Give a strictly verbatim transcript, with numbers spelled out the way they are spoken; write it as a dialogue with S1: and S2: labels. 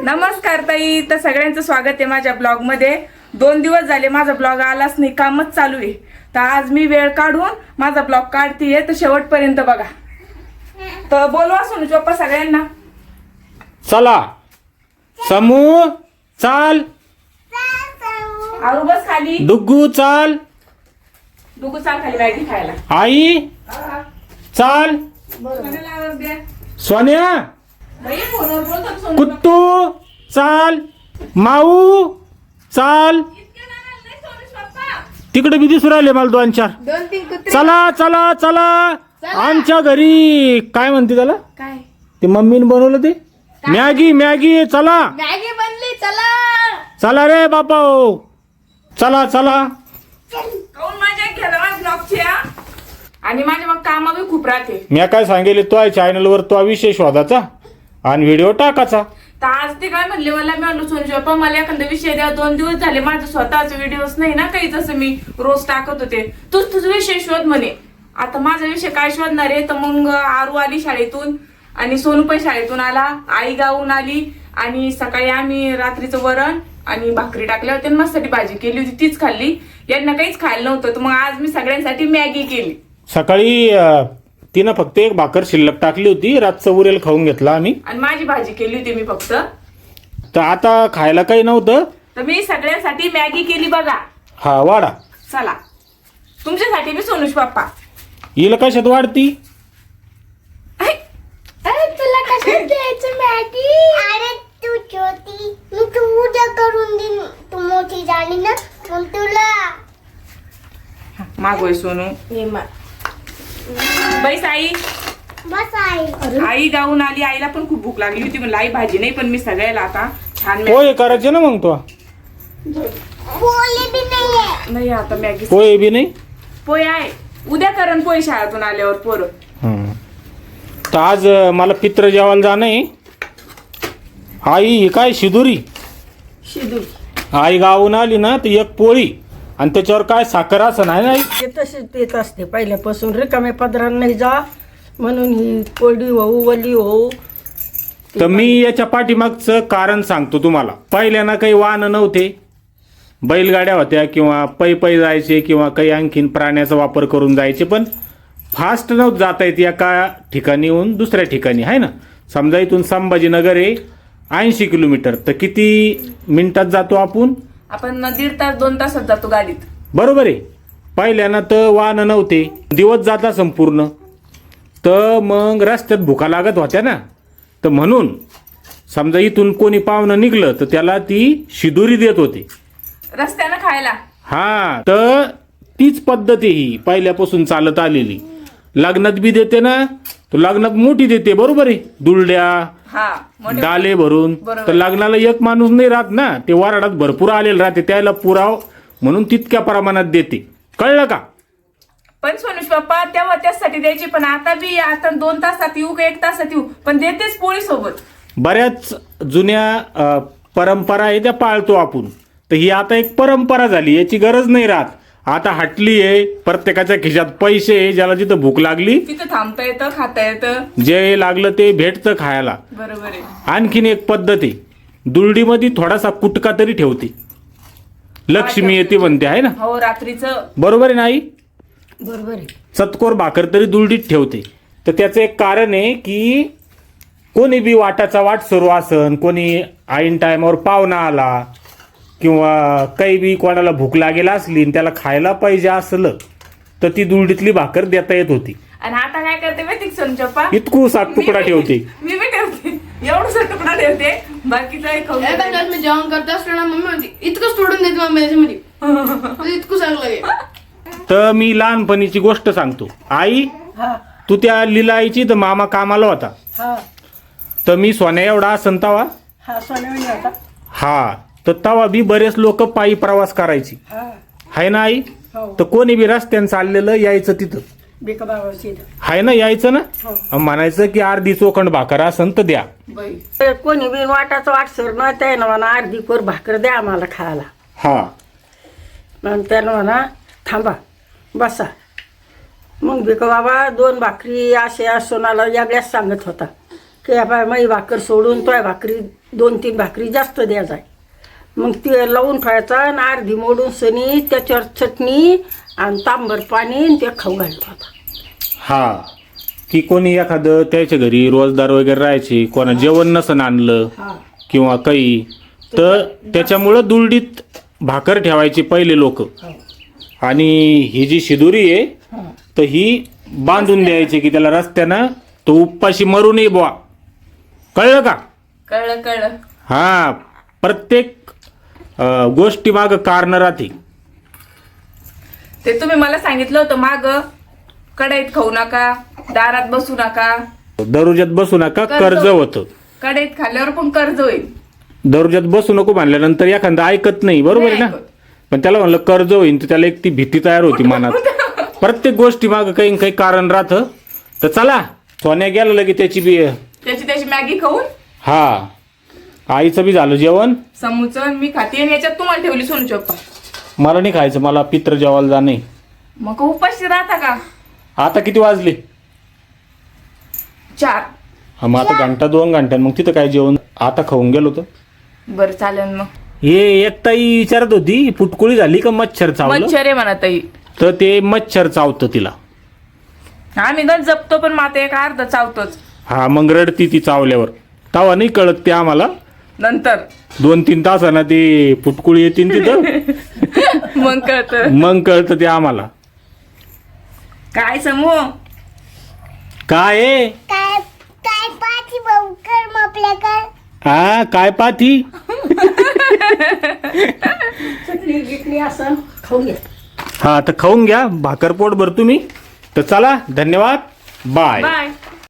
S1: नमस्कार ताई, तर सगळ्यांचं स्वागत आहे माझ्या ब्लॉग मध्ये। दोन दिवस झाले माझा ब्लॉग आलाच नाही, कामच चालू आहे। तर आज मी वेळ काढून माझा ब्लॉग काढतीये, तर शेवटपर्यंत बघा। तर बोलवा सोनू पप्पा सगळ्यांना।
S2: चला समू चाल,
S1: आरू बस खाली,
S2: डुग्गू चाल,
S1: डुगू चाल खाली मॅगी खायला।
S2: आई चाल, सोन्या
S1: बाई फोनवर बोलतो सोनू।
S2: कुट्टू चाल, माऊ चाल, तिकडे बी दिसू राहिले मला दोन चार।
S1: दोन तीन कुत्रे।
S2: चला चला चला आमच्या घरी काय म्हणते त्याला,
S1: काय
S2: ते मम्मीने बनवलं ते मॅगी मॅगी। चला
S1: मॅगी बनली, चला
S2: चला रे बापा, चला चला।
S1: काऊन मजा घ्या माझ्या ब्लॉगची। आणि माझ्या मग कामा बी खूप राहते।
S2: मी काय सांगेल, तो चॅनल वर तो विषय शोधाचा आणि व्हिडिओ टाकायचा।
S1: तर आज ते काय म्हणले मला, मी म्हणलो सोनू पप्पा मला एखादा विषय द्या। दोन दिवस झाले माझं स्वतःच व्हिडिओच नाही ना काही, जसं मी रोज टाकत होते। तूच तुझा विषय शोध म्हणे। आता माझा विषय काय शोधणार आहे, तर मग आरू आली शाळेतून आणि सोनू पण शाळेतून आला, आई गावून आली आणि सकाळी आम्ही रात्रीचं वरण आणि भाकरी टाकल्या होत्या, मस्ती भाजी केली होती, तीच खाल्ली। यांना काहीच खायला नव्हतं, तर मग आज मी सगळ्यांसाठी मॅगी केली।
S2: सकाळी तिनं फक्त एक भाकर शिल्लक टाकली होती, रातचं उरेल खाऊन घेतला आम्ही,
S1: आणि माझी भाजी केली होती मी फक्त।
S2: तर आता खायला काही नव्हतं,
S1: तर मी सगळ्यांसाठी मॅगी केली बघा।
S2: हा वाडा
S1: चला तुमच्यासाठी मी सोनूश पप्पा।
S2: हिला कशात वाढती,
S3: तुला कशात द्यायचं मॅगी? अरे तू छोटी, मी तू उद्या करून देईन, तू मोठी झाली ना मग तुला
S1: मागोय सोनू। बैस आई।
S3: बस आई।
S1: आई गाऊन आली, आईला पण खूप भूक लागली होती, म्हणलं आई भाजी नाही, पण मी सगळ्याला आता छान
S2: पोहे करायचे ना मग तो,
S3: पोळी बी नाहीये।
S1: नाही आता मॅगी
S2: पोहे बी नाही।
S1: पोहे आहे, उद्या करण पोहे शाळेतून आल्यावर पोरं।
S2: हम्म. तर आज मला पित्र जेवायला जाणं आहे। आई ही काय शिदुरी,
S1: शिदूर
S2: आई गावून आली ना तर एक पोळी आणि त्याच्यावर काय साखर असं नाही ना।
S4: ते तसेच देत असते पहिल्यापासून, रिकाम्या पदरात नाही जा म्हणून ही कोरडी होऊ वली होऊ।
S2: तर मी याच्या पाठीमागचं कारण सांगतो तुम्हाला। पहिल्यानं काही वाहनं नव्हते, बैलगाड्या होत्या किंवा पै पै जायचे किंवा काही आणखीन प्राण्याचा वापर करून जायचे, पण फास्ट नव्हतं जाता येत एका ठिकाणीहून दुसऱ्या ठिकाणी, आहे ना। समजा इथून संभाजीनगर आहे ऐंशी किलोमीटर, तर किती मिनिटात जातो आपण?
S1: आपण दीड तास दोन तासात जातो गाडीत,
S2: बरोबर आहे। पहिल्यानं तर वाहनं नव्हते, दिवस जाता संपूर्ण, तर मग रस्त्यात भुका लागत होत्या ना, तर म्हणून समजा इथून कोणी पाहुणं निघलं तर त्याला ती शिदुरी देत होती
S1: रस्त्यानं खायला।
S2: हा, तर तीच पद्धत आहे ही पहिल्यापासून चालत आलेली। लग्नात बी देते ना, तर लग्नात मोठी देते, बरोबर आहे, दुलड्या
S1: हा मोठे-
S2: डाले भरून।
S1: बरोबर.
S2: तर लग्नाला एक माणूस नाही राहत ना, ते वराडात भरपूर आलेलं राहते, त्याला पुराव म्हणून तितक्या प्रमाणात देते, कळलं का?
S1: पण सोनूश पप्पा तेव्हा त्यासाठी द्यायची, पण आता बी आता दोन तासात येऊ का एक तासात येऊ, पण देतेच पोळी सोबत।
S2: बऱ्याच जुन्या अ, परंपरा आहे त्या पाळतो आपण, तर ही आता एक परंपरा झाली, याची गरज नाही राहत। आता हटली आहे, प्रत्येकाच्या खिशात पैसे आहे, ज्याला जिथं भूक लागली
S1: तिथं थांबता येतं, खाता येतं,
S2: जे लागलं ते भेटतं खायला।
S1: बरोबर आहे।
S2: आणखीन एक पद्धत आहे, दुलडीमध्ये थोडासा कुटका तरी ठेवते, लक्ष्मी येते म्हणते, आहे ना,
S1: हो रात्रीचं।
S2: बरोबर आहे ना आई?
S4: बरोबर आहे।
S2: चतकोर भाकर तरी दुलडीत ठेवते। तर त्याचं एक कारण आहे की कोणी बी वाटाचा वाट सुरू असन, कोणी ऐन टायमावर पाहुणा आला किंवा काही बी कोणाला भूक लागेल असली आणि त्याला खायला पाहिजे असलं, तर ती दुलडीतली भाकर देता येत होती।
S1: आणि आता काय करते माहिती का सोनू पप्पा?
S2: इतकूसा तुकडा ठेवते,
S1: मी बी ठेवते, एवढासा तुकडा ठेवते, बाकीचा एक खाऊन
S5: एका
S1: घेते.
S5: मी जेवण करत असलो ना, मम्मी म्हणते इतकंच तोडून देते मम्मी याच्यामध्ये इतकं चांगलं आहे।
S2: तर मी लहानपणीची गोष्ट सांगतो। आई,
S4: हा
S2: तू त्या लिलाईची तर मामा कामाला होता,
S4: हा
S2: तर मी सोन्या एवढा असंतावा
S4: हा सोन्यावणी होता।
S2: हा, तर तवा बी बरेच लोक पायी प्रवास करायची,
S4: हा
S2: हाय ना आई?
S4: हो
S2: तर कोणी बी रस्त्यानं चाललेलं यायचं तिथं,
S4: बिका बाबाची
S2: हाय ना, यायचं ना,
S4: हो.
S2: अन म्हणायचं की अर्धी चोखंड भाकर असन तर द्या।
S1: बाई
S4: ते कोणी बी वाटाचं वाट सर ना, त्यानं म्हणा अर्धी कोर भाकर द्या आम्हाला खायला,
S2: हा,
S4: मग त्यानं म्हणा थांबा बसा, मग बिका बाबा दोन भाकरी असे सोनाला यागळ्याच सांगत होता, की बाय माई भाकर सोडून तोय भाकरी दोन तीन भाकरी जास्त द्या जाय. मग ते लावून ठेवायचा आणि अर्धी मोडून सनी त्याच्यावर चटणी आणि तांबर पाणी आणि ते खाऊ घालतो आता.
S2: हा की कोणी एखादं त्याच्या घरी रोजदार वगैरे राहायचे, कोणा जेवण नसन आणलं
S4: हा
S2: किंवा काही, तर त्याच्यामुळं दुलडीत भाकर ठेवायची पहिले लोक. आणि ही जी शिदुरी आहे तर ही बांधून द्यायची की त्याला रस्त्यानं तो उपाशी मरू नये बुवा. कळलं का?
S1: कळलं कळलं.
S2: हा प्रत्येक अं, गोष्टी माग कारण राहते.
S1: ते तुम्ही मला सांगितलं होतं माग, कढईत खाऊ नका, दारात बसू नका.
S2: दरुज्यात बसू नका,
S1: कर्ज
S2: कर्ज होतं.
S1: कढईत खाल्ल्यावर पण कर्ज होईल.
S2: दरुज्यात बसू नको म्हणल्यानंतर एखादा ऐकत नाही, बरोबर आहे ना.
S1: नाही ऐकत.
S2: पण त्याला म्हणलं कर्ज होईल तर त्याला एक ती भीती तयार होती मनात. प्रत्येक गोष्टी माग काही काही कारण राहतं. तर चला सोन्या गेलं लगे त्याची बी.
S1: त्याची त्याची मॅगी खाऊन
S2: हा आईचं बी झालं जेवण.
S1: समूचं मी खाते आणि याच्यात तुम्हाला ठेवली सोनू चप्पा.
S2: मला नाही खायचं, मला पित्र जेवायला जाणे.
S1: मग उपाशी राहता का?
S2: आता किती वाजले?
S1: चार.
S2: हा मग आता घंटा दोन घंट्यात मग तिथं काय जेवण आता खाऊन गेलो होतो.
S1: बरं चालेल मग.
S2: हे एक ताई विचारत होती फुटकुळी झाली का मच्छर चावलं.
S1: मच्छर आहे म्हणा ताई.
S2: तर ते मच्छर चावतं तिला.
S1: आम्ही गण जपतो पण माता एक अर्ध चावतोच.
S2: हा मग रडती ती चावल्यावर. तवा नाही कळत ते आम्हाला.
S1: नंतर
S2: दोन तीन तासांना ती फुटकुळी येते तिथं
S1: मग कळत.
S2: मग कळतं ते आम्हाला.
S1: काय समूह
S2: काय आहे?
S3: काय काय पाठी भाऊ कर मग आपल्याकडे.
S2: हा काय पाथी.
S4: चटणी गिटणी असं खाऊ घ्या.
S2: हा तर खाऊन घ्या भाकर पोट भर तुम्ही. तर चला धन्यवाद. बाय.
S1: बाय.